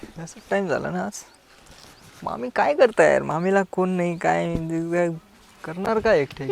असं टाइम झाला ना आज. मामी काय करताय यार? मामीला कोण नाही काय करणार काय एकटे?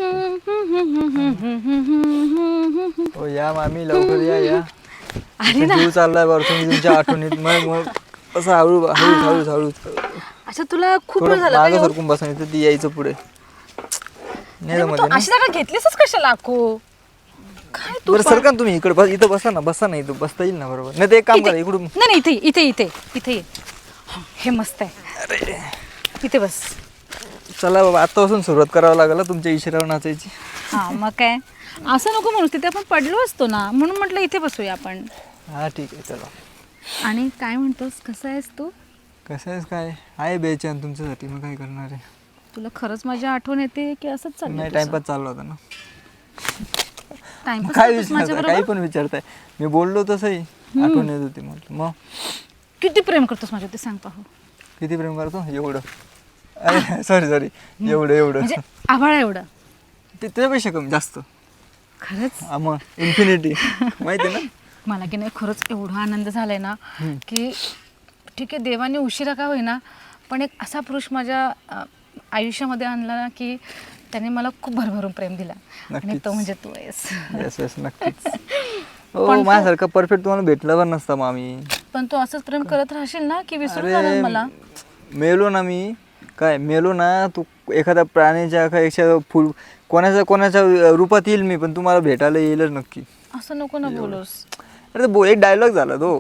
हो या मामी लवकर या या. जीव चाललाय बरं तुम्ही तुमच्या आठवणीत. मग असं हळू हळू हळू हळू अच्छा तुला खूप वेळ थोडं झाला मागं का सरकून बसायचं ती यायचं पुढे. नाही मग तू जमत ना. अशी जागा घेतलीसच कशाला लाखो? काय तू बरं सरका ना तुम्ही इकडे बस. इथं बसा ना इथं बसता येईल ना बरोबर. नाही ते एक काम करा इकडून. नाही इथे इथे इथे इथे ये. हे मस्त आहे. इथे बस. चला बाबा आतापासून सुरुवात करावं लागेल तुमच्या इशाऱ्यावर नाचायची. हा मग काय असं नको म्हणूस, तिथे आपण पडलो असतो ना, म्हणून म्हटलं इथे बसूया आपण. हा ठीक आहे चला. आणि काय म्हणतोस, कसं आहेस तू? कसं आहेस काय आहे बेचैन तुमच्यासाठी. मग काय करणार आहे? तुला खरंच माझी आठवण येते की असंच चाललंय? नाही टाइमपास चालला होता ना. टाइमपास काय करतोस माझ्या विचारताय काही बरोबर? पण विचारताय. मी बोललो तसंही आठवण येत होती म्हटलं. मग किती प्रेम करतोस माझ्या, ते सांग पाहू. किती प्रेम करतो? एवढं. अरे सॉरी एवढं म्हणजे आभाळा एवढं? ते त्याच्यापेक्षा कमी जास्त. खरंच? मग इन्फिनिटी माहिती आहे ना. मला की नाही खरंच एवढा आनंद झालाय ना की ठीक आहे, देवाने उशिरा का होईना पण एक असा पुरुष माझ्या आयुष्यामध्ये आणला ना की त्याने मला खूप भरभरून प्रेम दिला. आणि तो म्हणजे तू आहेस. येस येस नक्कीच. हो माझ्यासारखं परफेक्ट तुम्हाला भेटलं पण नसतं मामी. पण तू असंच प्रेम करत राहशील ना की विसरून जाणार मला? मेलो ना मी काय मेलो ना तू एखाद्या प्राण्याच्या एखाद्या फुल कोणाच्या रूपात येईल मी, पण तुम्हाला भेटायला येईलच नक्की. असं नको ना बोलूस. अरे एक डायलॉग झाला तो.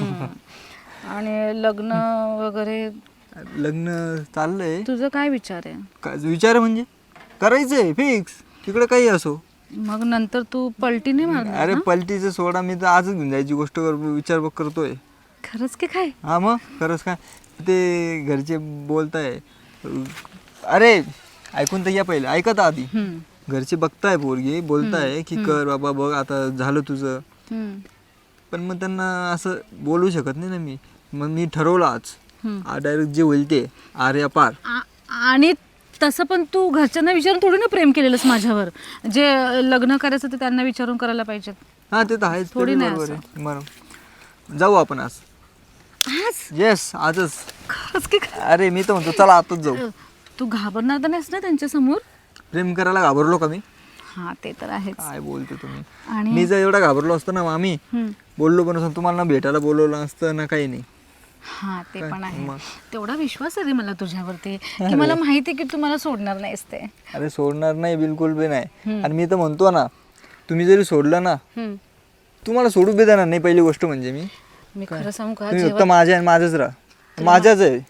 आणि लग्न वगैरे लग्न चाललंय. तुझं काय विचार आहे? काय विचार म्हणजे करायचंय फिक्स तिकडे काही असो. मग नंतर तू पलटी नाही मारणार अरे ना? पलटीचं सोडा, मी तर आजच घेऊन जायची गोष्ट विचार करतोय. खरंच की काय? हा मग खरंच काय ते घरचे बोलताय. अरे ऐकून तर या पहिले ऐकत आधी. घरचे बघताय पोरगी बोलताय की कर बाबा बघ आता झालं तुझं. पण मग त्यांना असं बोलू शकत नाही ना मी. मग मी ठरवलं आज डायरेक्ट जे होईल ते आर्या पार. आणि तसं पण तू घरच्यांना विचारून थोडी ना प्रेम केलेलंस माझ्यावर. जे लग्न करायचं ते त्यांना विचारून करायला पाहिजेत. हा ते तर आहेच. थोडी नाही बरोबर आहे. बरं जाऊ आपण आज. आज? येस आजच. खरंच की काय? अरे मी तर म्हणतो चला आताच जाऊ. तू घाबरणार तर नाहीस ना त्यांच्या समोर? प्रेम करायला घाबरलो का मी? हा ते तर आहेच. काय बोलते तुम्ही. आणि मी जर एवढा घाबरलो असतो ना मामी बोललो पण असं तुम्हाला ना भेटायला बोलवलं असतं ना काही नाही. हा ते पण आहे. मग? तेवढा विश्वास आहे रे मला तुझ्यावरती की मला माहिती आहे की तू मला सोडणार नाहीस ते. अरे सोडणार नाही बिलकुल बी नाही. आणि मी तर म्हणतो ना तुम्ही जरी सोडलं ना तुम्हाला सोडू बी देणार नाही. पहिली गोष्ट म्हणजे मी खरं सांगू का, तुम्ही फक्त माझ्या आणि माझंच राहा. माझ्याच आहे.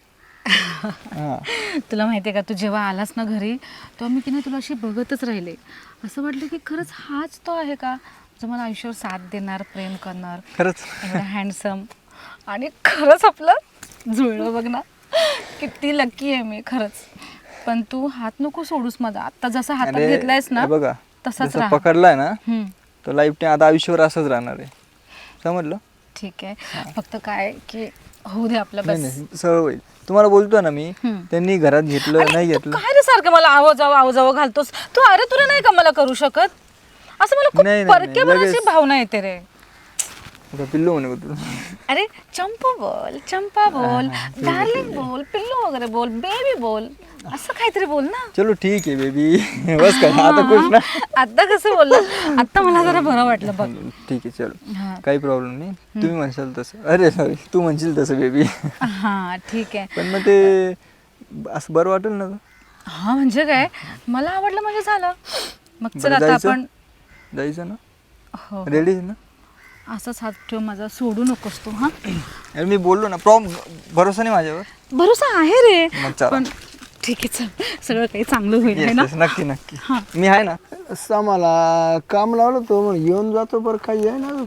तुला माहितीये का, तू जेव्हा आलास ना घरी तेव्हा मी की नाही तुला अशी बघतच राहिले. असं वाटलं की खरंच हाच तो आहे का जो मला आयुष्यावर साथ देणार, प्रेम करणार. खरंच एवढा हँडसम. आणि खरंच आपलं जुळलं बघ ना. किती लकी आहे मी खरंच. पण तू हात नको सोडूस माझा. आता जसा हातात घेतलायस ना बघा तसाच जसं राहा. पकडलाय ना तो लाईफ टाइम आता आयुष्यावर असंच राहणार आहे. समजलं? ठीक आहे. फक्त काय की होऊ दे आपलं नाही बस. नाही सरळ होईल. तुम्हाला बोलतो ना मी त्यांनी घरात घेतलं नाही तू घेतलं. काय रे सारखं मला आव जावं घालतोस तू? अरे तुला नाही का मला करू शकत असं? मला नाही, खूप नाही, परकेपणाची लगेच. भावना येते रे. आता पिल्लू म्हणे का तुला? अरे चंपा बोल डार्लिंग बोल, पिल्लू वगैरे बोल, बेबी बोल, असं काहीतरी बोल ना. चलो ठीक आहे बेबी. बस काय आता खुश ना? आता कसं बोललं? आता मला जरा बरं वाटलं बघ. ठीक आहे चलो हा. काही प्रॉब्लेम नाही. तुम्ही म्हणशाल तसं. अरे सॉरी तू म्हणशील तसं बेबी. हा ठीक आहे. पण मग ते असं बरं वाटेल ना? हा म्हणजे काय, मला आवडलं म्हणजे झालं. मग चल बरं, आता जायचं? आपण जायचं ना? हो रेडी ना? असंच हात ठेव माझा, सोडू नकोस तू. हा अरे मी बोललो ना भरोसा नाही माझ्यावर? भरोसा आहे रे. मग चला. पण ठीक आहे चल, सगळं काही चांगलं होईल है ना? Yes, नक्की नक्की. मी आहे ना. मला काम लावलं तो म्हणून येऊन जातो. बरं काही आहे ना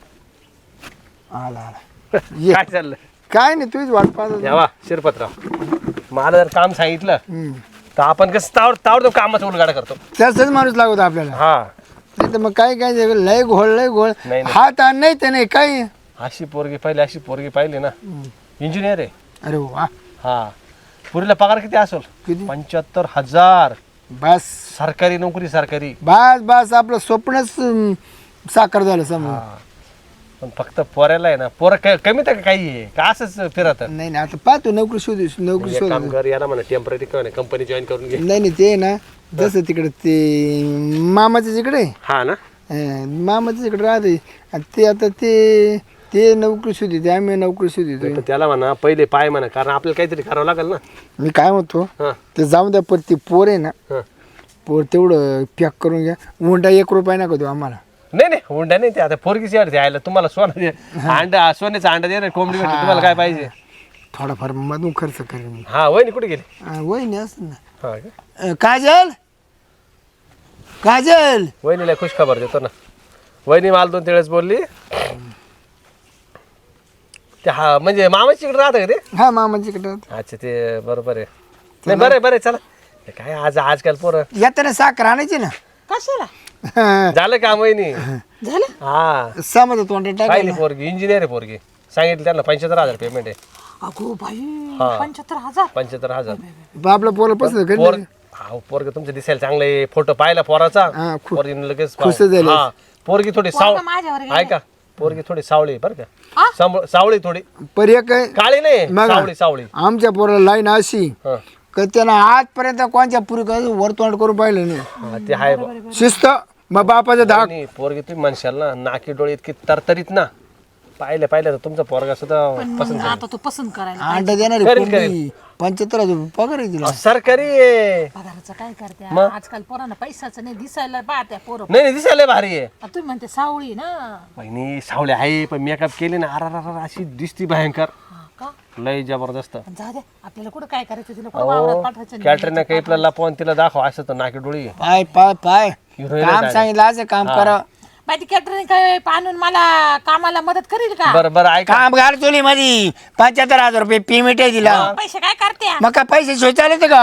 आला ये. काय चाललं? काय नाही तुझीच वाट पाहत यावा शिरपतराव, मला जर काम सांगितलं तर आपण कसं तावडतो कामाचा उलगाडा करतो. त्याचाच माणूस लागतो आपल्याला. हा नाही तर मग काय काय लय घोळ नाही, नाही. हात आण नाही ते नाही काही. अशी पोरगी पाहिली ना, इंजिनियर आहे. अरे वा हा पुरीला पगार किती असेल? किती? 75,000. बस सरकारी नोकरी सरकारी. बस बस आपलं स्वप्नच साकार झालं समोर. हा पण फक्त पोऱ्याला आहे ना पोरं कमी तर काही आहे का असंच फिरत नाही नाही आता पाहतो नोकरी शोधू नोकरी एक शोध काम कर याला म्हणा टेम्पररी कंपनी जॉईन करून घे. नाही नाही ते ना जसं तिकडे ते मामाच्या तिकडे हा ना मामाच्या तिकडे राहते आणि ते आता ते नोकरी शोधते आम्ही नोकरी शोधतो तर त्याला म्हणा पहिले पाय म्हणा कारण आपल्याला काहीतरी करावं लागेल ना. मी काय म्हणतो हा ते जाऊन द्या पण ते पोर आहे ना हा पोर तेवढं पॅक करून घ्या हुंडा 1 रुपया नका देऊ आम्हाला. नाही नाही हुंडा नाही ते आता पोरगीची अडते आयला तुम्हाला अंडा सोन्याचा अंडा दे कोंबडी भेटते तुम्हाला काय पाहिजे. थोडाफार मधून खर्च करेन मी. हा वहिनी कुठे गेली. वहिनी असं ना हा का? काजल काजल वहिनीला खुश खबर देतो ना. वहिनी मला 2-3 वेळेस बोलली ते हा म्हणजे मामाची इकडे राहतं का ते. हा मामाच्या तिकडे अच्छा ते बरोबर आहे. नाही बरं आहे बरं आहे चला ते काय आजकाल पोरं येताना साखर आणायची ना. कशाला झालं काम वहिनी. झालं हा समज तोंडात पाहिली टाकायला पोरगी इंजिनियर आहे पोरगी सांगितलं त्यांना 75,000 पेमेंट आहे. अगो बाई हा 75,000 75,000 आपलं पोरं पसंत करेल पोर हा पोरग तुमचं दिसायला चांगलं आहे फोटो पाहिला पोराचा हा, पोरगीने लगेच खुश झाले. हा पोरगी थोडी माझ्यावर गेलं. ऐका पोरगी थोडी सावळी आहे बरं का सावळी थोडी पर्याय काय काळी नाही मग? सावळी सावळी आमच्या पोराला लाईन अशी हा का त्यानं आजपर्यंत कोणत्या पुरी वर तोंड करून पाहिलं नाही. हा, ते आहे बा. शिस्त मग बापाचा धाक नाही, पोरगी तुम्ही म्हणशाल ना नाकी डोळे इतकी तरतरीत ना पाहिलं तर तुमचा पोरगा सुद्धा पसंत आता तू पसंत करायला अंडा देणारी करेल, पोरगी 75,000 पगार आहे तिला. सरकारी आहे. पगाराचं काय करते आजकाल पोरांना पैसाचं नाही दिसायला पाहत्या पोरं नाही दिसायला भारी आहे. आता तुम्ही म्हणते सावळी ना बहिणी सावळे आहे पण मेकअप केले ना अरा अशी दिसती भयंकर हा का लय जबरदस्त. पण जाऊ दे आपल्याला कुठं काय करायचं तिला कुठं वावरात पाठवायचं नाही. कॅटरीना कैफला लपवून तिला दाखव असं तर नाकी डोळी आहे. पाय पाय पाय हिरोईन काम आहे. सांगितलं असं काम करा. माहिती कॅटरिंग काय आणून मला कामाला मदत करील का बरं ऐका कामगार चोली मध्ये 75,000 रुपये पेमेंट आहे तिला. पैसे काय करते मग काय पैसे सोय चालत का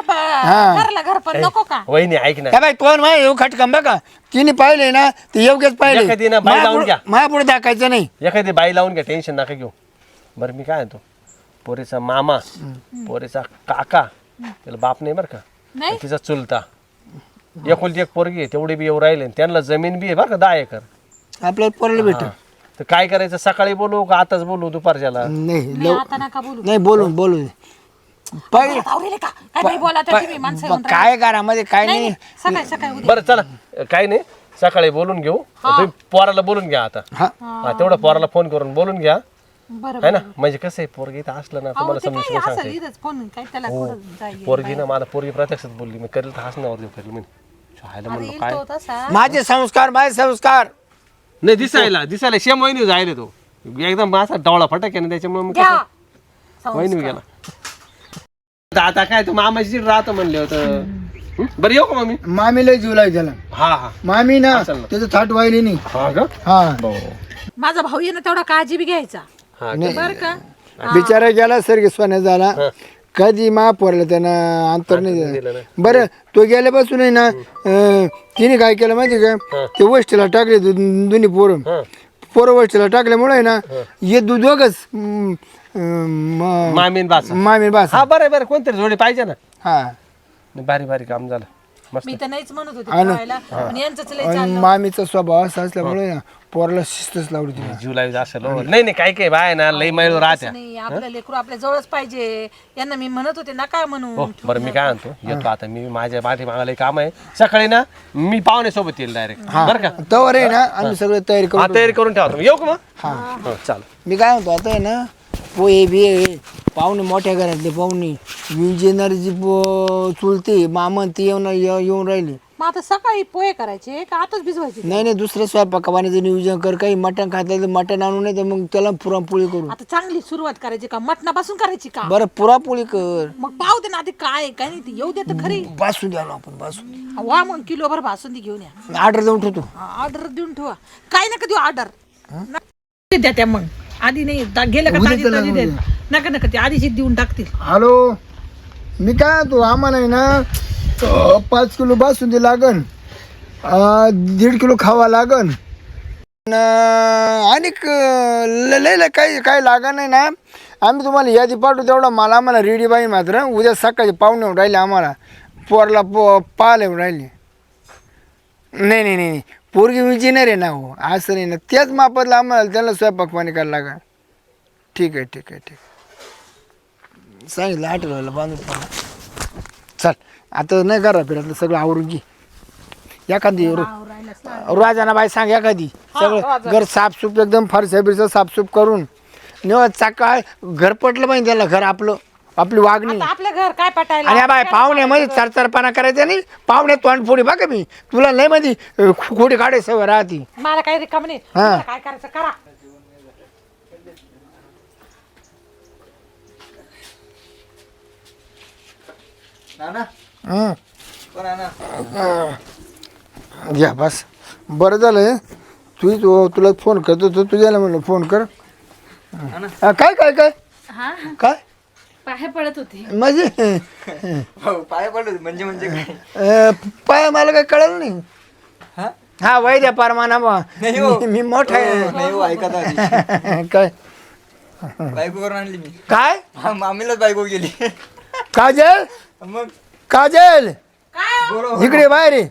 घरला घर पण नको का वहिनी ऐक ना काय बाई तोंड माय येऊ खटकम बघा तिने पाहिले ना ते योग्यच एखादी ना बाई लावून घ्या. माझ्या पुढे दाखायचं नाही. एखादी बाई लावून घ्या टेन्शन नका घेऊ. बरं मी काय म्हणतो पोरीचा मामा पोरीचा काका त्याला बाप नाही बरं का नाही तिचा चुलता एकुलती एक पोरगी आहे तेवढी बी येऊ राहिले त्यांना जमीन बी आहे बरं का 10 एकर. आपल्याला पोराला भेट तर काय करायचं सकाळी बोलू का आताच बोलू दुपारच्याला. नाही आता नका बोलू नाही बोलून पहिले आवरेल का काय नाही बोला तर तुम्ही माणसं येऊन काय घरामध्ये काय नाही नाही. सकाळी सकाळी उद्या बरं चला काही नाही सकाळी बोलून घेऊ तुम्ही पोराला बोलून घ्या आता. हा हा तेवढं पोराला फोन करून बोलून घ्या बरं है ना म्हणजे कसं आहे पोरगी इथं असलं ना अहो तुम्हाला ते समजून काय असं सांगते. इथंच फोन काय त्याला कुठं जाईल पोरगी ना मला पोरगी प्रत्यक्षात बोलली मी करेल तर हसण्यावर देऊ करेल मी शाळेला म्हणलो येईल काय तो तसा माझे संस्कार नाही दिसायला शेम वहिनी जायला तो एकदम असा डवळा फटक आहे ना त्याच्यामुळे मी घ्या कसं- वहिनी गेला आता काय तू मामाची राहतो म्हणले होतं बरं येऊ का मम्मी. मामीला जीव लाग त्याला हा मामी ना असेल ना. त्याचं थाट व्हायली नाही. हा का हा माझा भाऊ आहे ना तेवढा काळजी बी घ्यायचा हा बरं का बिचारा गेला सर सोन्या झाला कधी महापौरला त्यानं अंतर नाही दिलं दिलं. नाही. बरं तो गेल्यापासून आहे ना तिने काय केलं माहिती का ते वस्तीला टाकले दोन्ही पोरं वस्तीला टाकल्यामुळे आहे ना हे दोघच मामीन बासा मामी बास हा बरं कोणतरी जोडी पाहिजे ना. हा भारी काम झालं मस्त. मी तर नाहीच म्हणत होते ठेवायला पण यांचंच लय आणि चाललं मामीचा स्वभाव असा असल्यामुळे ना पोराला शिस्तच लावली तिला. जुलाई असेल हो. नाही काय बाय ना लई मैल राहत्या. नाही आपलं लेकरू आपल्या जवळच पाहिजे यांना मी म्हणत होते ना काय म्हणून हो बरं मी काय म्हणतो येतो आता मी माझ्या मागायला काम आहे सकाळी ना मी पाहुण्यासोबत येईल डायरेक्ट बरं का. तवर आहे ना आम्ही सगळं तयारी हा करू. तयारी करून ठेवा तुम्ही येऊ का मग. हो चाल मी काय म्हणतो आता आहे ना पोहे बिये पाहुणे मोठ्या घरातले पाहुणे विजेनरची चुलते मामन ती येऊन राहिली. मग आता सकाळी पोहे करायचे का आताच भिजवायचे नाही दुसरं स्वयंपाकापाण्याचं नियोजन कर. काही मटण खातलं तर मटण आणू नाही तर मग त्याला पुरणपोळी करू. आता चांगली सुरुवात करायची का मटणापासून करायची का बरं पुरणपोळी कर. मग पाहू दे ना आधी काय काय नाही ते येऊ दे तर खरी बासून आलो आपण बासून वा मग किलोभर बासुंदी घेऊन या ऑर्डर देऊन ठेवतो. ऑर्डर देऊन ठेवा काय नका देऊ ऑर्डर द्या त्या मग आधी नाही गेलं का ताजी ताजी देत नका ते आधीच देऊन टाकतील. हॅलो मी काय तू आम्हाला आहे ना 5 किलो बासुंदी लागन 1.5 किलो खावा लागन आणि लय काही लागण नाही ना. आम्ही तुम्हाला यादी पाठवू तेवढा मला आम्हाला रेडी बाई मात्र उद्या सकाळी पाहुणे येऊन राहिले आम्हाला पोरला पाहायला येऊन राहिले. नाही पोरगी विचिनर आहे ना हो, असं नाही ना. त्याच मापातलं आम्हाला त्याला स्वयंपाक पाणी करायला लागा. ठीक आहे ठीक आहे ठीक आहे. सांगितलं आठवलं बांधून ठेवलं. चल आता नाही करा फिरतलं सगळं आवरून घे. एखादी रोजाना बाई सांग एखादी सगळं घर साफसूफ एकदम फरशा बिरसा साफसूफ करून निवड सकाळ घर पटलं पाहिजे त्याला. घर आपलं आपली वागणी. आपलं घर काय पटायला आणि बाय पाहुण्यामध्ये चरचरपणा करायचा नाही. पाहुणे तोंडफोडी बघा मी तुला लय मध्ये खोडी काढे सवय राहती. मला काही रिकाम नाही. हा. तुम्हाला काय करायचं करा. नाना हं. कोण नाना घ्या बस बरं झालं. तुला फोन करतो तो तुझ्याला म्हणलं फोन कर. काय काय काय हा काय पाय पडत होती. म्हणजे हो पाय पडलो म्हणजे काय पाय मला काय कळलं नाही. हा हा वय द्या परमाना नाही हो. मी मोठा आहे. नाही हो ऐका तर आधी. काय बायको करून आणली मी. काय मामीलाच बायको गेली. काजल मग काजल बरोबर इकडे बाहेर ये.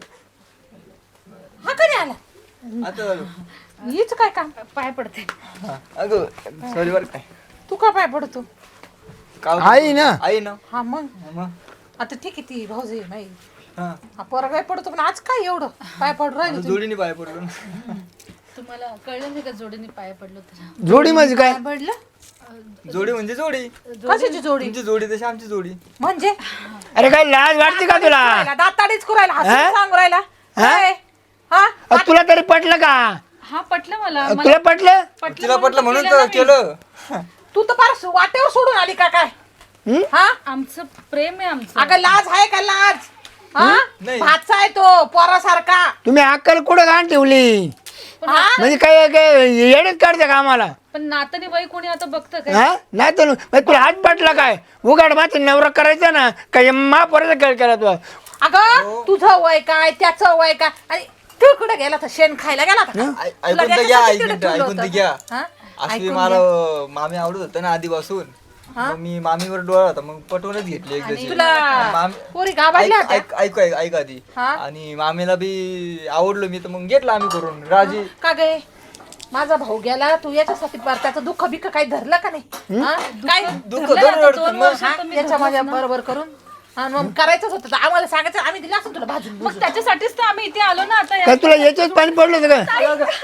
हा कधी आला आता झालो. हीच काय काम पाय पडते. हा. अगं सॉरी बरं काय तू का पाय पडतो. का होतं? आई ना आई ना हा मग मग आता ठीक आहे ती भाऊजी नाही हा हा पोरगा काय पडतो पण आज काय एवढं पाय पडू राहिलं तू. जोडीने पाय पडलो ना. तुम्हाला कळलं नाही का जोडीने पाय पडलो तर. जोडी म्हणजे काय काय पडलं जोडी म्हणजे जोडी. कशाची जोडी तुमची जोडी तशी आमची जोडी. म्हणजे अरे काय लाज वाटते का तुला. दाताडीच करायला हा? हसून सांगू राहिला काय? हा तुला तरी पटलं का. हा पटलं मला. तुला पटलं तिला पटलं म्हणून तर केलं. तू तर फार वाटेवर सोडून आली का काय हं? हा आमचं प्रेम आहे आमचं. अगं लाज आहे का लाज हा नाही. भातचा आहे तो पोरासारखा तुम्ही अक्कल कुठं घाण ठेवली. हा म्हणजे काय काय येडच काढते का आम्हाला. पण नाताने बाई कोणी आता बघतं काय. हा नाही तर मग तुला हात पटला काय उघड माती नवरा करायचा ना काय महापोराचा खेळ केला तू. अगं तुझं वय काय त्याचं वय काय आणि तू कुठे गेला तर शेण खायला गेला होता का? तुला ऐकून तर घ्या त्याच्यासाठी एक तिकडे मिनिट ठेवलं ऐकून तर होतं. घ्या. हा? अशी ऐकून मला घ्या. मामी आवडत होतं ना आधीपासून. मग मी मामीवर डोळा होता मग पटवूनच घेतली एक दिवशी. तुला पोरी गावाडल्या होत्या ऐक आधी. हा? आणि मामीला बी आवडलो मी तर मग घेतला आम्ही करून राजी. का गे माझा भाऊ गेला तू याच्यासाठी बरं त्याचं दुःख बिक्क काही धरलं का नाही हा? काय दुःख धरलं धरून आता रडतो 2 मग. वर्षात तुम्ही याच्या माझ्या बरोबर करून आणि मग करायचंच होतं तर आम्हाला सांगायचं आम्ही दिलं असं तुला भाजून मग त्याच्यासाठीच तर आम्ही इथे आलो ना आता. काय तुला याच्यात पाणी पडलं होतं का.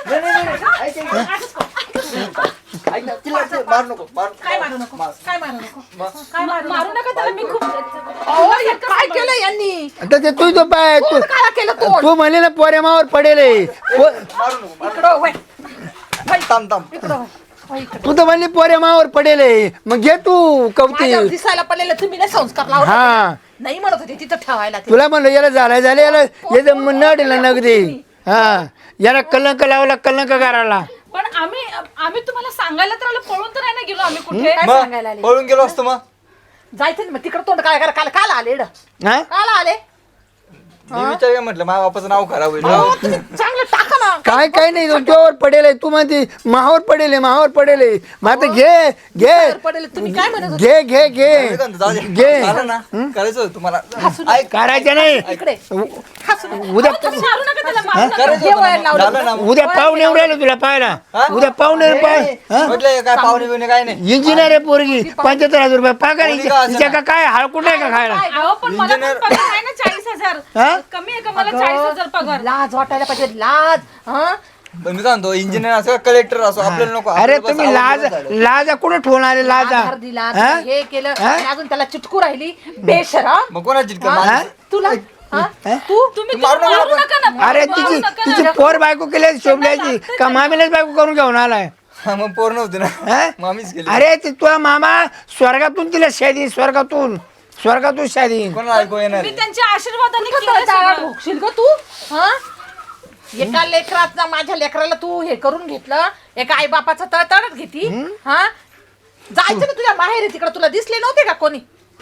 ऐक ना, तिला ते मारू नको काय मारू नको काय मारू नको काय मारू मारू नका त्याला. मी खूप अहो, हे काय केलं यांनी आता ते तू तो पाय तू काय केलं तू तू म्हणले ना पोरेमावर पडेल आहे. इकडं वय थांब इकडं वय. वय इकडं. तू तर म्हणली पोरेमावर पडेल आहे. मग घे तू कवती. माझ्या दिसायला पडलेलं तुम्ही नाही संस्कार लावला हा नाही म्हणत होते तिथं ठेवायला ते. तुला म्हणलं याला झालं याला याचं नडीला नगदी. हा याला कलंक लावला कलंक करायला. पण आम्ही तुम्हाला सांगायला तर आलो. पळून तर नाही ना गेलो आम्ही कुठे. काय सांगायला मग आले पळून गेलो असतो मग. जायचं ना मग तिकडं तोंड काय करा काल आले एवढं. हा काल आले मी विचार म्हटलं माझ्या बापाचं नाव खराब होईल. अहो, तुम्ही चांगलं टाका ना काय नाही तुझ्यावर पडेल आहे. तू म्हणते माहावर पडेल आहे माहावर पडेल आहे. मग आता घे घे पडेल तुम्ही काय म्हणत होते? घे घे घे जाऊ दे. घे झालं ना करायचं होतं तुम्हाला. ऐक करायचं नाही. इकडे हसून उद्या मारू नका त्याला. मारू नका. करायचं हे होतं वळण ना. लावलं. झालं ना. उद्या पाहुणे येऊन राहिले तुला पाहायला. हा? उद्या पाहुणे पाय म्हटलं काय पाहुणे बिवणे काय नाही. इंजिनियर आहे पोरगी 75,000 रुपये पगार. कोणी का असेना? हिच्या का काय हळकुट आहे का खायला. अहो पण मला पण इंजिनियर- पगार आहे ना 40,000. हा? कमी आहे का मला 40,000 पगार. लाज वाटायला पाहिजे लाज हा पण मी काय म्हणतो इंजिनियर असो कलेक्टर असो आपल्याला नको. अरे आपल्याला बस तुम्ही लाज आवडलं झालं. लाजा कुठे ठेवून आले लाजा. आधार दिला हा? हे केलं हा? आणि अजून त्याला चिटकू राहिली बेशरम मग कोणाची हा? माझी- तुला हा? तू तुम्ही मारू नका मारू आपण. नका ना. अरे मारू तिची नका तिची ना. पोर बायको केली शोभल्याची का मामीलाच बायको करून घेऊन आलाय. हा, मग पोर नव्हते ना हा? मामीच केली. अरे ते तुझा मामा स्वर्गातून तिला शादी स्वर्गातून शादी. कोणाला ऐकू येणार मी आहे? त्यांच्या आशीर्वादाने केलं कसं सगळं. भोगशील ग तू हा एका लेकरात माझ्या लेकराला तू हे करून घेतलं एका आई बापाचा तळतळत घेती हा जायचं ना तुझ्या माहेरी तिकडे तुला दिसले नव्हते का कोणी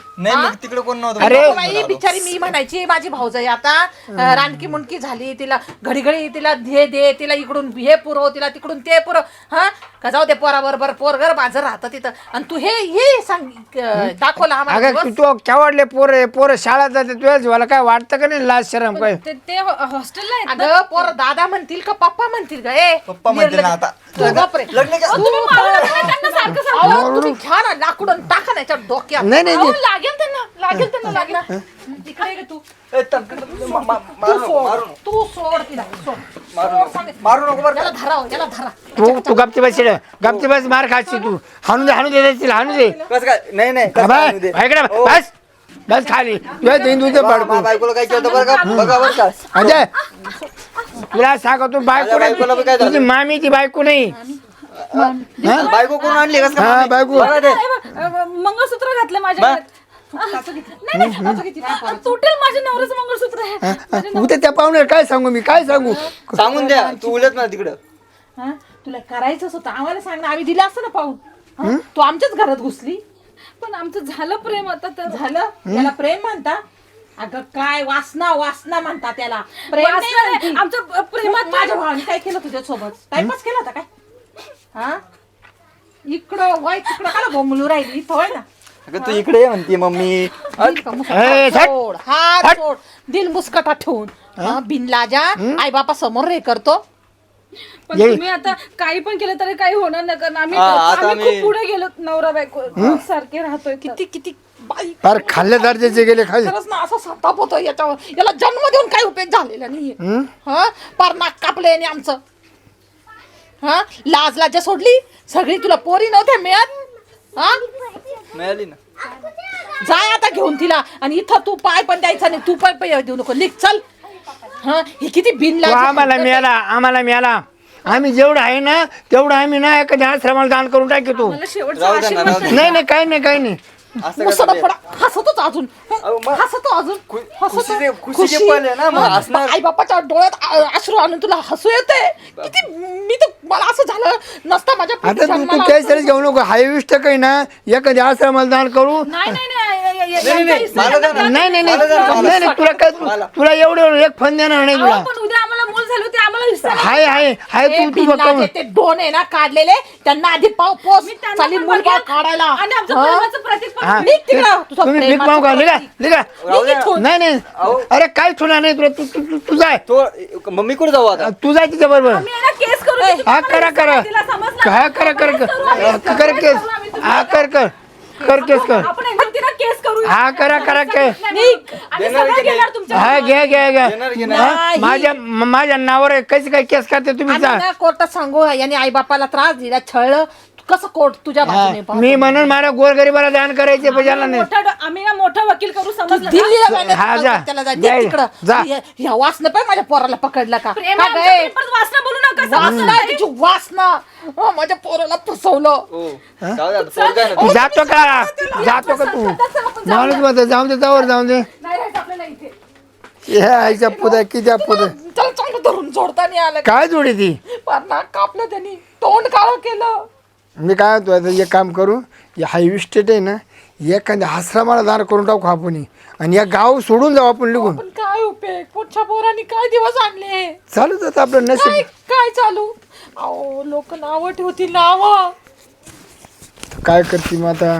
नाही मग तिकडे कोण नव्हतं. अरे बाई बिचारी मी म्हणायची माझी भाऊजाई आता रानकी मुंडकी झाली, तिला घडी घडी तिला हे दे, तिला इकडून हे पुरव, तिला तिकडून ते पुरव. हा का जाऊ दे पोराबरोबर पोरगर माझं राहतं तिथं, आणि तू हे सांग दाखवलं आम्हाला अगं दिवस. तू केवढले पोरं शाळा जाते तुझ्या जीवाला काय वाटतं का नाही लाज शरम काय? ते हॉस्टेलला आहेत ना. अगं पोर दादा म्हणतील का पप्पा म्हणतील का? पप्पा म्हणतील ना आता. बापरे लग्न का? तुम्ही घ्या ना लाकूड आणि टाका ना याच्यावर डोक्यात. नाही नाही अहो, लागेल त्यांना लागेल. तिकडे ये तू. ए, तू सोड तिला सोड. मारू नको बरं. याला धराव याला धरा. तू गपची बस गपची बस मार खाशी तू हाणू दे देशील हाणू दे कसं काय? नाही नाही कसं बाय काय होऊ दे? ऐकडे बस बस खाली तुझ्या तुझं पाडको बायकोला काय केलं बरं का? बघा बरं का? अजय तुला सांगतो बायको बायकोला बी काय नाही झालं? तुझी मामीची बायको नाही बायको कोण आणली कसं हा काय? बायको बघा ते. मंगळसूत्र घातलं माझ्या तुटेल माझ्या नवऱ्याचं मंगळसूत्र आहे. उद्या त्या पाहुणे काय सांगू मी काय सांगू सांगून द्या तू उलट ना तिकडं. हा? तुला करायचंच होतं आम्हाला सांग ना, आम्ही दिलं असतं ना पाहून. हा? तू आमच्याच घरात घुसली. पण आमचं झालं प्रेम आता तर झालं त्याला प्रेम म्हणता? अगं काय वासना वासना म्हणता त्याला. प्रेम नाही वासना नाही, म्हणती. आमचं प्रेमात मग माझ्या भावाने काय केलं तुझ्या सोबत? टाइमपास केला होता काय? हा इकडं वय तिकडं काला बोंबलू राहिली इथं होय ना. अगं तू इकडे ये म्हणते मम्मी. दिल का मुस्कटा सोड, हात सोड, दिल मुस्कटा ठेवून. हा, बिनलाजा आई बापा समोर रे करतो. पण तुम्ही आता काही पण केलं तरी काही होणार नाही, कारण आम्ही आता आम्ही खूप पुढे गेलो नवरा बायको सारखे राहतोय. किती किती बाई फार खाल्ल्या दर्जाचे गेले खाली खरंच ना असा संताप होतो याच्यावर. याला जन्म देऊन काही उपयोग झालेला नाहीये. हा पार नाक कापले आणि आमचं. हा लाज लाजा सोडली सगळी. तुला पोरी नव्हत्या मिळत. हा मिळाली ना. जाय आता घेऊन तिला, आणि इथं तू पाय पण द्यायचा नाही. तू पण पाय देऊ नको, लिख चल. हा हे किती बिन तो आम्हाला मिळाला आम्ही जेवढं आहे ना तेवढं आम्ही ना एखाद्या आश्रमाला दान करून टाकतो मला शेवटचा राहू द्या ना, राहू द्या. नाही काही नाही असं मुसडा कसं फडा हसतोच अजून. अहो, मग हसतो अजून खुशीचे पल आहे ना, मग हसणार. आई बापाच्या डोळ्यात अश्रू आणून तुला हसू येते. किती मी तर मला असं झालं नसतं माझ्या आता पोटी तू जन्माला काही तरी घेऊ नको हायविस्ट काही ना एखाद्या आश्रमाला दान करू नाही नाही तुला काय तुला एवढं एक फन देणार नाही तुला पण उद्या आम्हाला मूल झालं ते आम्हाला हिस्सा हाय ए, तू बिनलाजे ते दोन आहे ना काढलेले त्यांना आधी पाव पोस त्यांना चाली पण मुलगा बघेल. काढायला. आणि आमचं हा? प्रेमाचं प्रतीक पण हा. निघ तिकडं. तुझं तुम्ही भीक प्रेमाचं मागू का प्रतीक. लिगा राहू द्या. नाही अरे काय ठेवणार नाही तुला तू जाय तो मम्मी कुठे जाऊ आता? तू जाय तिच्या बरोबर आम्ही याला केस करू ए, तिला हा करा समजलं? हा कर केस हा कर केस कर आपण एकदम तिला केस करू हा करा केस आम्ही सगळं घेणार तुमच्या हा घ्या घेणार, घेणार. हा, माझ्या नावावर आहे. कशी काय केस करते तुम्ही आम्ही जा ना कोर्टात सांगू याने आई बापाला त्रास दिला छळलं. कसं कोर्ट तुझ्या बाजूने पाहतो. मी म्हणून मला गोरगरीबाला दान करायचे पाहिजे नाही आम्ही ना मोठा वकील करू समजलं का? दिल्लीला जाण्यात हा, जा. त्याला जा. जा. दे तिकडं. जा. ह्या वासनं पण माझ्या पोराला पकडलं का? प्रेम का आमचं गं, प्रेम, परत वासना बोलू नका समजलं वासना का? आहे तिची वासना. माझ्या पोराला फसवलं. हो. जाऊ दे आता, पोरगा आहे ना. जातो का तू माणूस म्हणतो जाऊन दे जाऊन दे नाही राहायचं आपल्याला इथे. हे आईच्या पुदा किती पुदा त्याला चांगलं धरून जोडता नाही आलं. काय जोडी ती पार नाक कापलं त्यांनी, तोंड काळं केलं. मी काय म्हणतो आता एक काम करू या हायवे स्टेट आहे ना एखाद्या आश्रमाला दान करून टाकू आपण आणि या गाव सोडून जाऊ आपण निघून पण काय उपयोग? पोटच्या पोरांनी काय दिवस आणले? चालू जातं आपलं काय नशीब काय चालू? अहो लोक नावं ठेवतील नाव. काय करते मग आता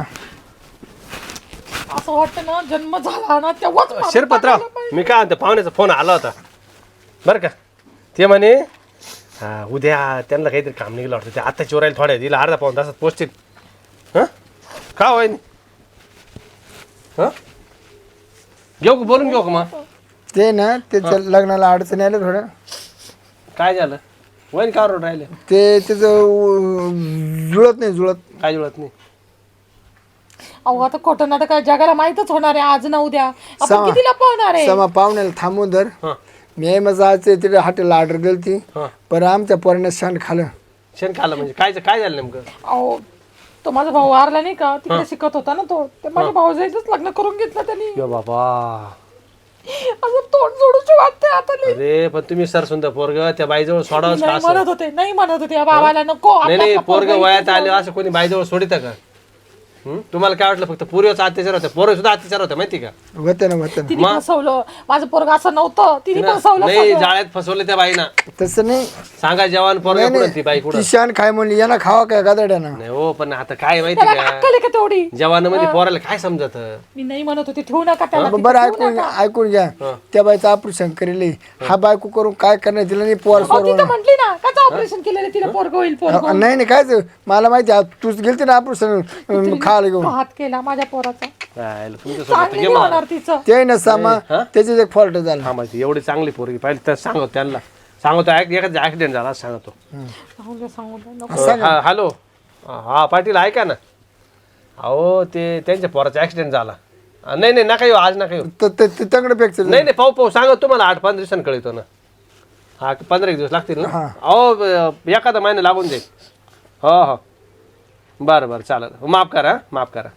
असं वाटतं ना जन्म झाला ना तेव्हाच मारून शिरपतराव टाकायला पाहिजे. मी काय म्हणतो पाहुण्याचा फोन आला होता बरं का. ते म्हणे हा उद्या त्यांना काहीतरी काम निघलं वाटतं ते आता चोरायला थोड्या दिला अर्धा पाऊन तासात पोचतील. हां का होय हां घेऊ का बोलून घेऊ का मग ते ना त्याच्या लग्नाला अडचणी आल्या थोड्या काय झालं वैन का रोड राहिले ते त्याचं जुळत काय जुळत नाही. अहो आता खोटं नाटक काय जगाला माहितच होणार आहे आज ना उद्या. आपण समा- कितीला पाहणार आहे? समा पाहुण्याला थांबून धर हां मी मग आज तिथे हॉटेलला ऑर्डर दिली ती हां पण आमच्या पोराने शांत खाल्लं शेण खाल्लं म्हणजे काय झालं नेमकं. अहो तो माझा भाऊ वारला नाही का तिकडे शिकत होता ना तो. ते माझ्या भाऊजाईचंच लग्न करून घेतलं त्यांनी. यो बाबा असं तोंड जोडूची वाटते आता लई. अरे पण तुम्ही सर सुंदर पोरग त्या बाईजवळ सोडावंच का नाही असं. म्हणत होते या बाबाला नको नाही आपला नाही का पोरग पोरगा वयात इथे आले असं कोणी बाईजवळ सोडित का तुम्हाला काय वाटलं फक्त पूर्वीचा अत्याचार होता, पोरं सुद्धा अत्याचार होता माहिती का? होतं ना होतं ना. तिने फसवलं माझं पोरग असं नव्हतं, तिने फसवलं नाही सगळं. जाळ्यात फसवले त्या बाईना. तसं नाही. सांगा जवान पोरगा कुठं ती बाई कुठं? ती शान खाय म्हणली यांना खावा काय गादड्यानं. नाही हो, पण आता काय माहिती त्याला का, अक्कल आहे का तेवढी? जवानामध्ये पोराला काय समजत? मी नाही म्हणत होते ठेवू नका त्याला तिथे, बरं ठेवू ऐकून नका. ऐकून घ्या. त्या बाईचं ऑपरेशन करेल. हा बायको करून काय करणार तिला नाही पोर अहो, ती तर म्हटली ना कसं ऑपरेशन केलेलं तिला पोरग होईल पोरग नाही नाही कायच मला माहिती आहे. तूच गेलती ना ऑपरेशन खायला घेऊन. हात केला माझ्या पोराचा, तुमच्यासोबत चांगली नाही होणार तिचं. ते ना सामा त्याच्यात एक फॉल्ट झाला. हा माहिती एवढी चांगली पोरगी पाहिजे तर सांगतो त्यांना, सांगतो एखादा ऍक्सिडेंट झाला सांगतो. सांगू दे, नको. हॅलो, हा पाटील ऐका ना. अहो ते त्यांच्या पोराचा ऍक्सिडेंट झाला. नाही नाही नका येऊ, आज नका येऊ. तंगड पेक्षा नाही नाही पाहू सांगा तुम्हाला 8-5 दिवसांनी कळतो ना. हा 15 दिवस लागतील ना. अहो एखादा महिना लागून जाईल. हो हो बरं बरं चालेल, माफ करा माफ करा,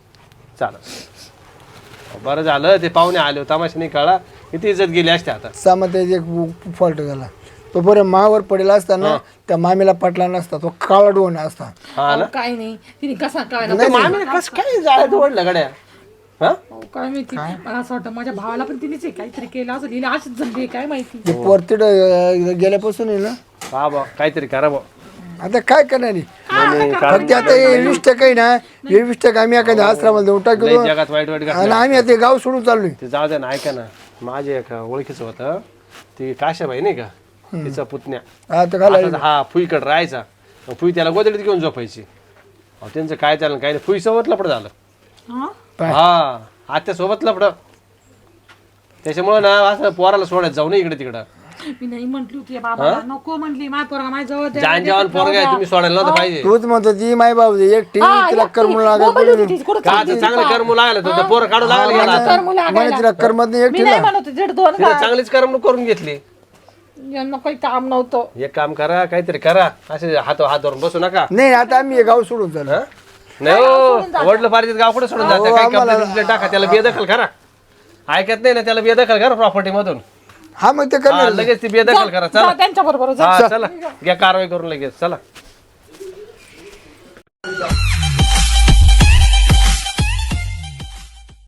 चालेल. बरं झालं ते पाहुणे आले होते, तमाशा नाही कळा, किती इज्जत गेली असते आता. सामा त्याचा एक फॉल्ट झाला. तो बरं मावर पडेल असताना त्या मामीला पटला नसता, तो काळा डोन असता. हा ना, काय नाही तिने कसा काय ते मामीने कसं काय जाळ्यात ओढलं गड्या? हा काय माहिती, मला असं वाटतं माझ्या भावाला पण तिनेच काहीतरी केलं असं लिहिलं, अशीच झाली काय माहिती. ते पोरतीड गेल्यापासून आहे ना. हा बा काहीतरी करा बा. आता काय करणार आहे? फक्त आता हे 20% आहे ना, 20% आम्ही एखाद्या आश्रमाला देऊन टाकलो लय जगात वाईट वाईट आणि आम्ही आता हे गाव सोडून चाललोय. ते जाऊ द्या ना, ऐका ना, माझे एका ओळखीचं होतं, ती काशाबाई नाही का, तिचा पुतण्या. आता घाला आता हा फुईकडे राहायचा, मग फुई त्याला गोदडीत घेऊन झोपायची. अहो, त्यांचं काय चाललं काय नाही, फुई सोबत लपड झालं. हा आत्या सोबत लपड, त्याच्यामुळे ना असं पोराला सोडायचं जाऊ नये इकडे तिकडं. मी नाही म्हटली होती बाबा, नको म्हटली माझ्या पोरगा माझ्या जवळ द्या. जान जवान पोरगा आहे, तुम्ही सोडायला नव्हतं पाहिजे. तूच म्हणतो ती माय बाबू एक टीव्ही तिला करमू मोबाईल होती तिची, कुठं का आता चांगलं करमू लागलं तर पोरं काढू लागलं गेला आता. तर मुलं म्हणे आगायला. तिला करमत नाही एक मी नाही म्हणत होते 1.5-2 तिला चांगलीच करमणूक करून घेतली. यांना काही काम नव्हतं. एक काम करा, काहीतरी करा, असे हात धरून बसू नका. नाही. आता आम्ही हे गाव सोडून चाललो. नाही हो, वडलं पारिजित गाव कुठे सोडून जाते, काही कंप्लेंट टाका, त्याला बेदखल करा. ऐकत नाही ना, त्याला बेदखल करा प्रॉपर्टी मधून. हा मग ते हा, करणार. लगेच ती बेदखल करा. चला त्यांच्या बरोबर हा चला, घ्या कारवाई करून लगेच चला.